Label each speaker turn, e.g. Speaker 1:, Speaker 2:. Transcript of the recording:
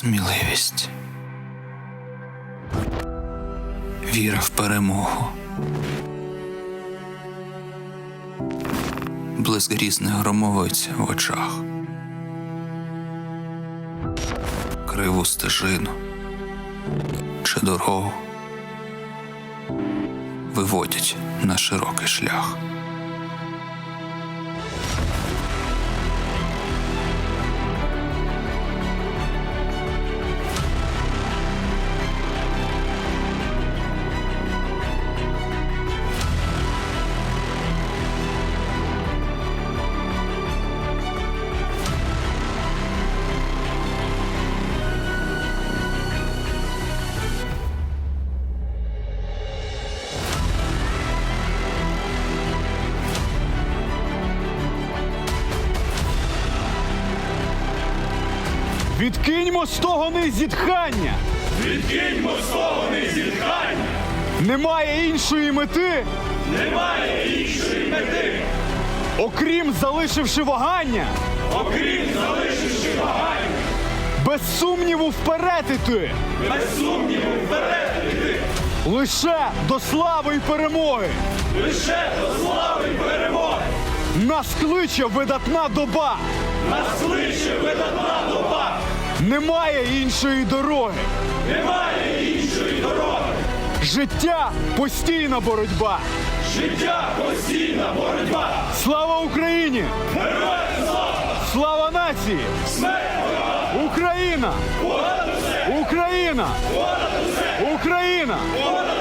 Speaker 1: Сміливість. Віра в перемогу. Блиск грізних громовиць в очах. Криву стежину чи дорогу виводять на широкий шлях.
Speaker 2: Відкиньмо стогони зітхання!
Speaker 3: Відкиньмо стогони зітхання!
Speaker 2: Немає іншої мети,
Speaker 3: Немає іншої мети,
Speaker 2: окрім залишивши вагання,
Speaker 3: окрім залишивши вагання,
Speaker 2: без сумніву вперед іти,
Speaker 3: без сумніву вперед іти,
Speaker 2: лише до слави й перемоги.
Speaker 3: лише до слави й перемоги.
Speaker 2: Нас кличе видатна доба,
Speaker 3: Нас кличе видатна доба,
Speaker 2: немає іншої дороги.
Speaker 3: немає іншої дороги.
Speaker 2: Життя – постійна боротьба.
Speaker 3: Життя – постійна боротьба.
Speaker 2: Слава Україні!
Speaker 3: Героям слава!
Speaker 2: Слава нації!
Speaker 3: Смерть ворогам!
Speaker 2: Україна!
Speaker 3: Понад усе!
Speaker 2: Україна!
Speaker 3: Понад усе!
Speaker 2: Україна!
Speaker 3: Понад